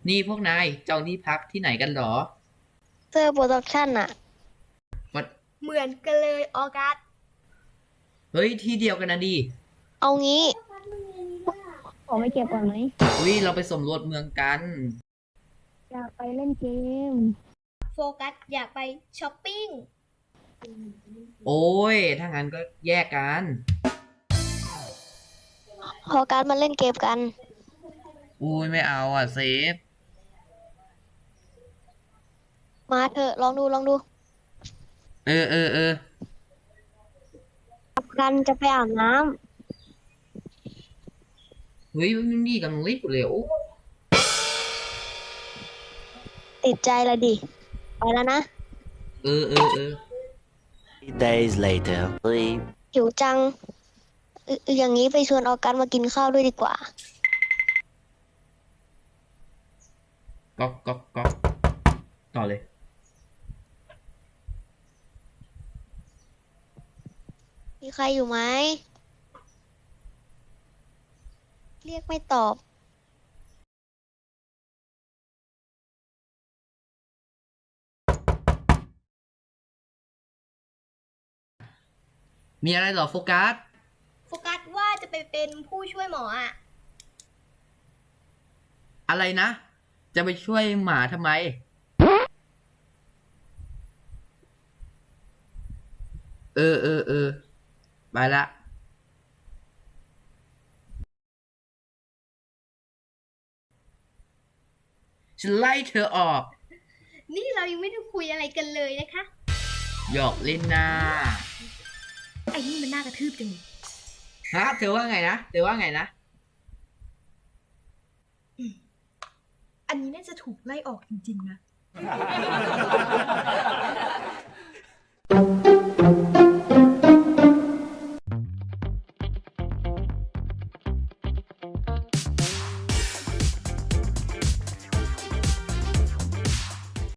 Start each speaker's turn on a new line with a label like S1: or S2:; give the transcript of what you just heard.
S1: นี่พวกนายจองที่พักที่ไหนกันเหรอ
S2: เซอร์โปรดักชั่นอะ
S1: วัด
S3: เหมือนกันเลยออกัส
S1: เฮ้ยที่เดียวกันนะดี
S2: เอางี้ขอไม่เก็บก่อนไหม
S1: อุ้ยเราไปสำรวจเมืองกัน
S2: อยากไปเล่นเกม
S3: โฟกัสอยากไปช้อปปิ้ง
S1: โอ้ยถ้างั้นก็แยกกัน
S2: พอการมาเล่นเกมกัน
S1: อุ้ยไม่เอาอ่ะเซฟ
S2: มาเถอะลองดู
S1: เออ
S2: กันจะไปอาบน้
S1: เฮ้ยมันนี่กำลังรีบอยู่เลยโอ้
S2: ำติดใจละดิไปแล้วนะ
S1: เออ
S4: Days later.
S2: หิวจังอย่างนี้ไปชวนออกันมากินข้าวด้วยดีกว่า
S1: ก๊อกต่อเลย
S2: มีใครอยู่ไหมเรียกไม่ตอบ
S1: มีอะไรเหรอโฟกัส
S3: โฟกัสว่าจะไปเป็นผู้ช่วยหมออ่ะ
S1: อะไรนะจะไปช่วยหมาทำไมเออไปละฉันไล่เธอออก
S3: นี่เรายังไม่ได้คุยอะไรกันเลยนะคะ
S1: หยอกเล่นนะ
S3: ไอ้นี่มันน่ากระทืบจังเลย
S1: ฮะเธอว่าไงนะเธอว่าไงนะ
S3: อันนี้น่าจะถูกไล่ออกจริงๆนะ